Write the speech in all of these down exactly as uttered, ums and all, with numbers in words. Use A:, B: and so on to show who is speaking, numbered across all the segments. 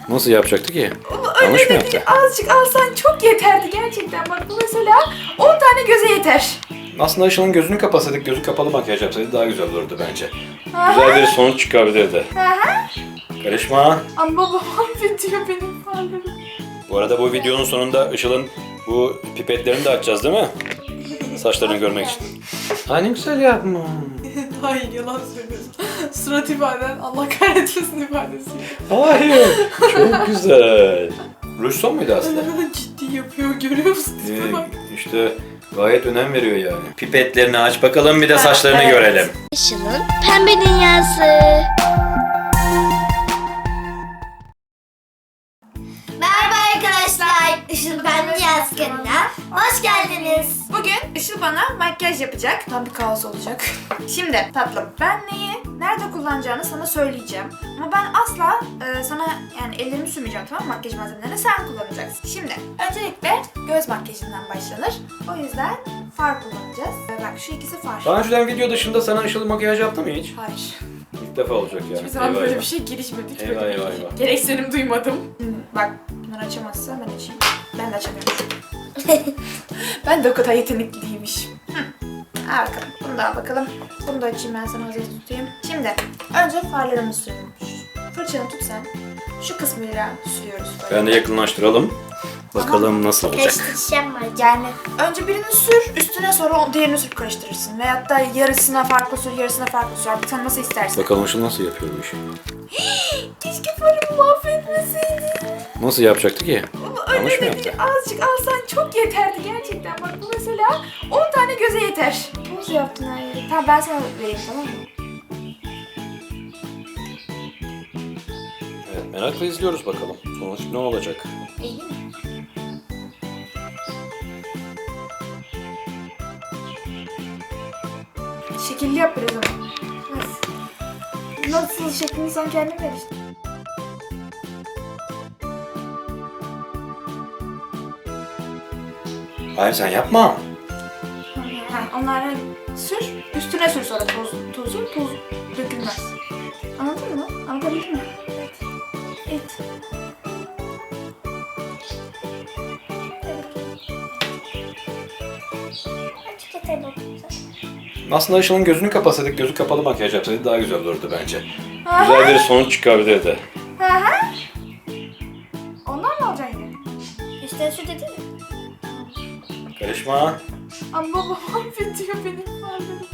A: Nasıl yapacaktı ki?
B: Öyle
A: Yanlış mı
B: de
A: yaptı?
B: değil, azıcık alsan çok yeterdi gerçekten. Bak bu mesela on tane göze yeter.
A: Aslında Işıl'ın gözünü kapasaydık, gözü kapalı makyaj yapsaydı daha güzel olurdu bence.
B: Aha.
A: Güzel bir sonuç çıkabilirdi.
B: Aha.
A: Karışma.
B: Ama babam mahvediyor benim farlarım.
A: Bu arada bu videonun sonunda Işıl'ın bu pipetlerini de açacağız değil mi? Saçlarını görmek için. Ay ne güzel yapma.
B: Hayır yalan söylüyorsun. Surat ifaden Allah kahretmesin ifadesi.
A: Hayır. Çok güzel. Ruj son muydu aslında?
B: Ciddi yapıyor görüyor musun?
A: Ee,
B: Bak.
A: işte gayet önem veriyor yani. Pipetlerini aç bakalım bir de saçlarını
B: Evet.
A: görelim.
C: Işıl'ın pembe dünyası.
D: Merhaba arkadaşlar, Işıl Ben Dünyası kanalına hoş geldiniz.
B: Bugün Işıl bana makyaj yapacak. Tam bir kaos olacak. Şimdi tatlım ben neyi nerede kullanacağını sana söyleyeceğim. Ama ben asla e, sana yani ellerimi sürmeyeceğim, tamam mı? Makyaj malzemelerini sen kullanacaksın. Şimdi öncelikle göz makyajından başlanır. O yüzden far kullanacağız. E, Bak şu ikisi far.
A: Daha önceden video dışında sana Işıl makyaj yaptı mı hiç?
B: Hayır.
A: İlk defa olacak yani.
B: Hiçbir zaman
A: Eyvah
B: böyle
A: eyvah.
B: bir şey girişmedik.
A: Eyvah,
B: Böyle
A: eyvah,
B: bir
A: eyvah.
B: gereksinim duymadım. Bak bunları açamazsa ben açayım. Ben de açamıyorum. Ben de o kadar yetenekli değilmişim. Hı. Al bakalım. Bunu da al bakalım. Bunu da açayım ben sana hazır tutayım. Şimdi önce farlarımı sürüyorum. Fırçanı tut sen. Şu kısmıyla sürüyoruz böyle.
A: Ben de yakınlaştıralım. Bakalım nasıl olacak.
D: Karıştıracağım var.
B: Yani önce birini sür, üstüne sonra o diğerini sür karıştırırsın. Veyahut da yarısına farklı sür, yarısına farklı sür. Artık sen nasıl istersen.
A: Bakalım Işıl nasıl yapıyor bu işi.
B: Keşke farımı mahvetmeseydin.
A: Nasıl yapacaktı ki?
B: Ama
A: Yanlış mı
B: öyle de
A: yaptı?
B: değil, azıcık alsan çok yeterdi gerçekten. Bak bu mesela on tane göze yeter. Nasıl yaptın her yeri? Tamam ben sana vereyim, tamam mı?
A: Evet, merakla izliyoruz bakalım. Sonuç ne olacak?
B: İyi mi? Şekilli yap biraz ama. Nasıl? Nasıl şeklini sen kendin ver işte.
A: Hayır sen yapma.
B: Ha, onları sür, üstüne sür sonra toz, tozu, toz dökülmez. Anladın mı? Anladın mı? Evet.
D: Açık yeter bak.
A: Aslında Işıl'ın gözünü kapasaydık, gözü kapalı makyaj yapsaydı daha güzel olurdu bence.
B: Aha.
A: Güzel bir sonuç çıkabilirdi.
B: Hı hı. Ondan mı alacaksın yine?
D: İşte şu dedi mi?
A: Karışma.
B: Ama babam mahvediyor benim farlarım.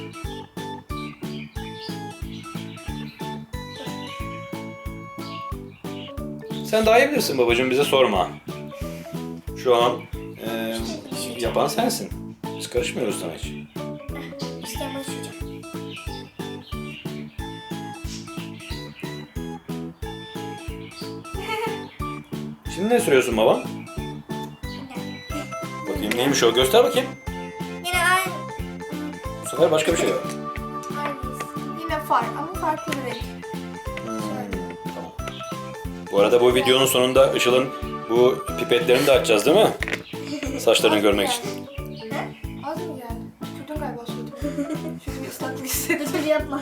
A: Sen daha iyi bilirsin babacığım, bize sorma. Şu an e, yapan sensin. Biz karışmıyoruz sana hiç.
D: İşte başlayacağım.
A: Şimdi ne sürüyorsun baba? Bakayım neymiş o, göster bakayım.
D: Yine aynı.
A: Bu sefer başka bir şey var.
D: Aynıyız.
B: Yine far ama farklı bir renk.
A: Hmm, tamam. Bu arada bu videonun sonunda Işıl'ın bu pipetlerini de açacağız değil mi? Saçlarını görmek için.
B: Az mı geldi? Sürdüm galiba sürdüm. Çünkü bir ıslaklık hissettim.
D: Dur yapma.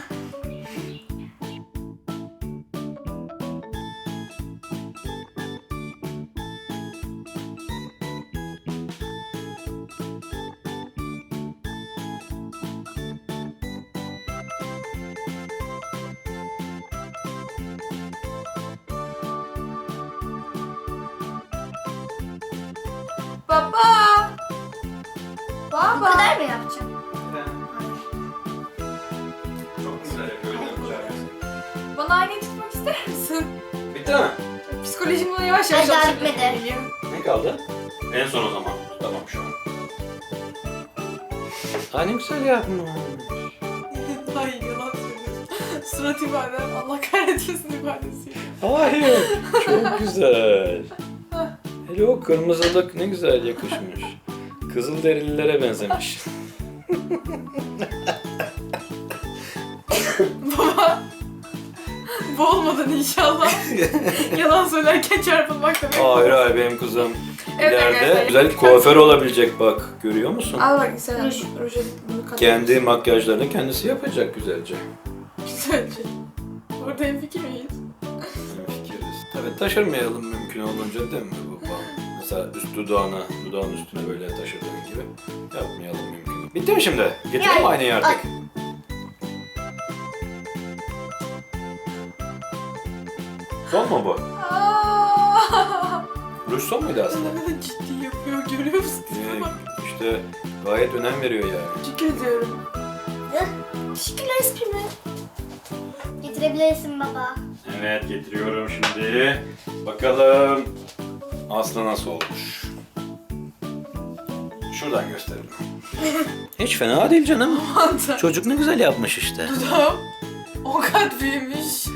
B: Baba!
D: Bu
B: Baba!
D: kadar mı yapacağım?
A: Çok güzel yapıyor.
B: Bana aynayı tutmak ister misin?
A: Bitti mi?
B: Psikolojim buna yavaş yavaş
D: Ay, daha
B: alışıyor.
D: bitmedi.
B: Geliyor.
A: Ne kaldı? En son o zaman. Tamam şu an. Ay ne güzel yapma.
B: Hayır yalan söylüyorsun. Surat ifaden Allah kahretmesin ifadesi.
A: Hayır. Çok güzel. Hele o kırmızılık ne güzel yakışmış. Kızılderililere benzemiş.
B: Baba! Boğulmadın inşallah. Yalan söylerken çarpılmak demek.
A: Hayır hayır benim kızım.
B: Evet
A: İleride
B: arkadaşlar.
A: güzel kuaför olabilecek bak. Görüyor musun?
B: Al bak sen ruj, ruju bunu kat.
A: Kendi makyajlarını kendisi yapacak güzelce.
B: Güzelce. Orada hemfikir miyiz?
A: Fikiriz. Tabii taşırmayalım mümkün olduğunca değil mi baba? Mesela üst dudağına, dudağın üstüne böyle taşırdığın gibi yapmayalım mümkün. Bitti mi şimdi? Getirelim mi aynayı artık? Son mu bu?
B: Aa!
A: Ruj son muydu aslında?
B: Ciddi yapıyor, görüyor musun?
A: Ee, işte gayet önem veriyor yani.
B: Teşekkür ediyorum. Teşekkürler esprimi.
D: Getirebilirsin baba.
A: Evet, getiriyorum şimdi. Bakalım Aslı nasıl olmuş? Şuradan gösterelim. Hiç fena değil canım. Çocuk ne güzel yapmış işte.
B: Dudağım o kadar büyümüş.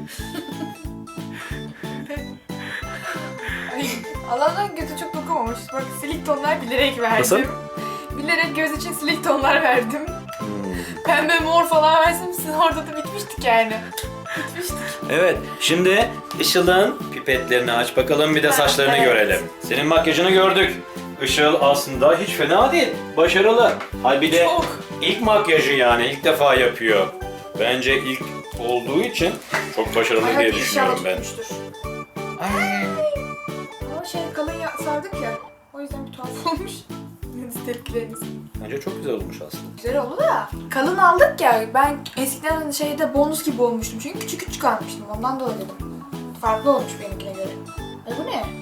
B: Ay, Allah'tan göze çok dokunmamış. Bak silik tonlar bilerek verdim.
A: Nasıl?
B: Bilerek göz için silik tonlar verdim.
A: Hmm.
B: Pembe mor falan versin orada da bitmiştik yani. Bitmiştik.
A: Evet, şimdi Işıl'ın pipetlerini aç bakalım, bir de saçlarını
B: Evet.
A: görelim. Senin makyajını gördük. Işıl aslında hiç fena değil, başarılı. Hay bir de
B: Çok.
A: ilk makyajı yani ilk defa yapıyor. Bence ilk olduğu için çok başarılı
B: Ay,
A: diye
B: hadi
A: düşünüyorum
B: inşallah
A: ben.
B: tutmuştur.
A: Ay.
B: Ama şey kalın ya, sardık ya. O yüzden bir tuhaf olmuş. Siz tepkileriniz.
A: Bence çok güzel olmuş aslında.
B: Güzel oldu da. Kalın aldık ya. Ben eskiden şeyde bonus gibi olmuştum. Çünkü küçük küçük almıştım. Ondan dolayı dedim. Farklı olmuş benimkine göre. Ay bu ne?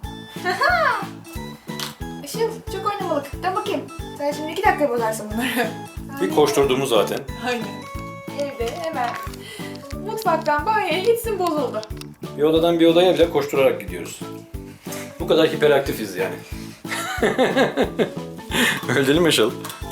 B: Işıl çok oynamalık. Dön bakayım. Sen şimdi iki dakika bozarsın bunları.
A: Bir koşturduğumuz zaten.
B: Aynen. Evde hemen mutfaktan banyoya gitsin bozuldu.
A: Bir odadan bir odaya bile koşturarak gidiyoruz. Bu kadar hiperaktifiz yani. Öyle değil mi Işıl?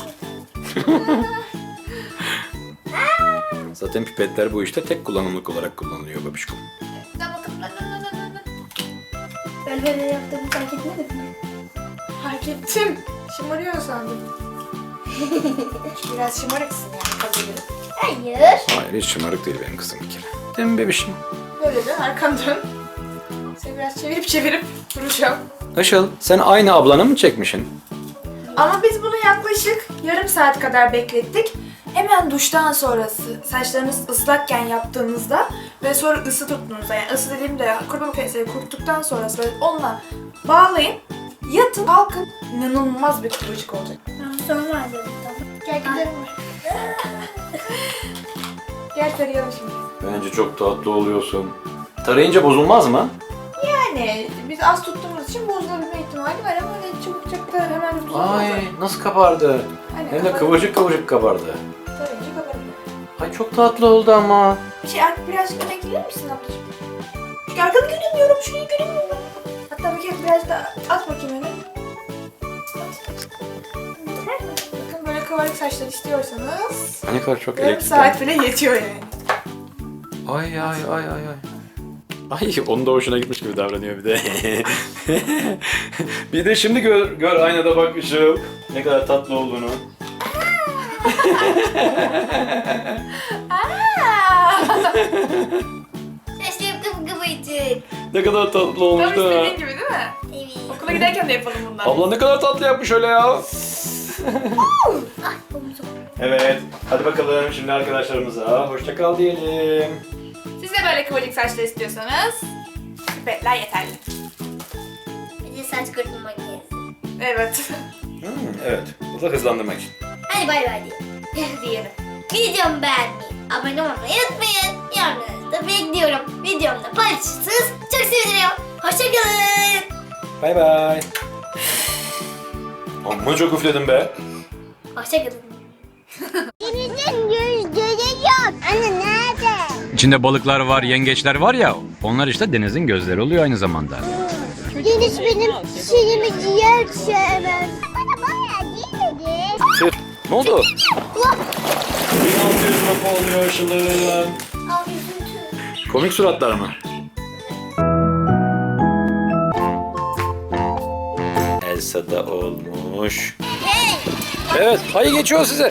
A: Zaten pipetler bu işte tek kullanımlık olarak kullanılıyor babişkom.
B: Dön bakalım. Dön, dön, dön, dön, dön.
D: Böyle böyle yaptığımı fark etmedin mi?
B: Fark ettim. Şımarıyor sandım. Biraz şımarıksın yani kazanırım.
D: Hayır.
A: Hayır hiç şımarık değil benim kızım bir kere. Değil mi bebişim?
B: Böyle dön, arkanı dön. Seni biraz çevirip çevirip duracağım.
A: Işıl sen aynı ablanı mı çekmişsin?
B: Ama biz bunu yaklaşık yarım saat kadar beklettik. Hemen duştan sonrası saçlarınız ıslakken yaptığınızda ve sonra ısı tuttuğunuzda, yani ısı dediğimde kurutma makinesiyle kuruttuktan sonrası böyle onunla bağlayın. Yatın, kalkın. İnanılmaz bir kıvırcık olacak.
D: Sonra var dedim tamam.
B: Gel gidelim. Gel tarayalım şimdi.
A: Bence çok tatlı oluyorsun. Tarayınca bozulmaz mı?
B: Yani biz az tuttuğumuz için bozulabilme ihtimali var ama öyle çabuk çabuk da hemen bozulmaz.
A: Ay nasıl kabardı.
B: Aynen,
A: Hem de
B: kabarık.
A: kıvırcık kıvırcık kabardı.
B: Tarayınca kabarıyor.
A: Ay çok tatlı oldu ama.
B: Şey, birazcık öne gelir misin ablacığım? Çünkü arkanı göremiyorum, şurayı göremiyorum. Hatta bir kere biraz da at bakayım öne. At. Bakın böyle kabarık saçlar istiyorsanız
A: Ne kadar çok
B: yarım
A: elektrik.
B: saat bile yetiyor yani.
A: Ay ay ay ay ay. Ay onun da hoşuna gitmiş gibi davranıyor bir de. Bir de şimdi gör, gör aynada bak Işıl. Ne kadar tatlı olduğunu.
D: Saçlarım kıpkıvırcık.
A: Ne kadar tatlı
B: Tam
A: olmuş da.
B: istediğin gibi değil mi?
D: Evet.
B: Okula giderken de yapalım bundan.
A: Abla ne kadar tatlı yapmış öyle ya.
D: Ay omuzum.
A: Evet. Hadi bakalım şimdi arkadaşlarımıza hoşça kal diyelim.
B: Siz de böyle kıvırcık saçlar istiyorsanız pipetler yeterli.
D: Bir de saç kurutma makinesi.
B: Evet.
A: Hmm, evet. Bu da hızlandırmak için.
D: Hadi bay bay diyelim.
B: Diyelim.
D: Videomu beğenmeyi, abone olmayı unutmayın. Yorumlarınızı bekliyorum. Videomda paylaşırsanız çok sevinirim. Hoşçakalın.
A: Bay bay. Amma çok üfledim be.
D: Hoşçakalın.
C: Denizin gözleri yok. Anne nerede?
E: İçinde balıklar var, yengeçler var ya, onlar işte denizin gözleri oluyor aynı zamanda.
C: Deniz benim şeyimi ciğer sevmez. Bana bayağı değil dedi.
A: Ne oldu? bin altı yüz lira oluyor Işıl'ın.
D: Al üzüntü.
A: Komik suratlar mı? Elsa da olmuş. Evet, hayır geçiyor size.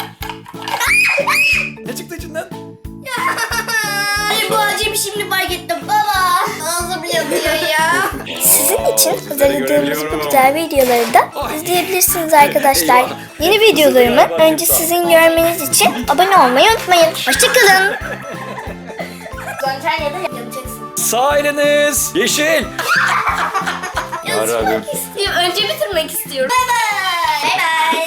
A: Ne çıktı içinden?
D: Ay bu acemi şimdi fark ettim baba. Ağzım yanıyor ya.
C: Sizin için
A: Sizleri
C: hazırladığımız
A: görebiliyorum.
C: bu güzel videoları da izleyebilirsiniz arkadaşlar.
A: Eyvah.
C: Yeni videolarımı önce sizin görmeniz için abone olmayı unutmayın. Hoşçakalın.
D: Döneceksin ya da yanacaksın.
A: Sağ eliniz yeşil. Ya Rabbim.
D: İstiyorum. Önce bitirmek istiyorum. Bay bay.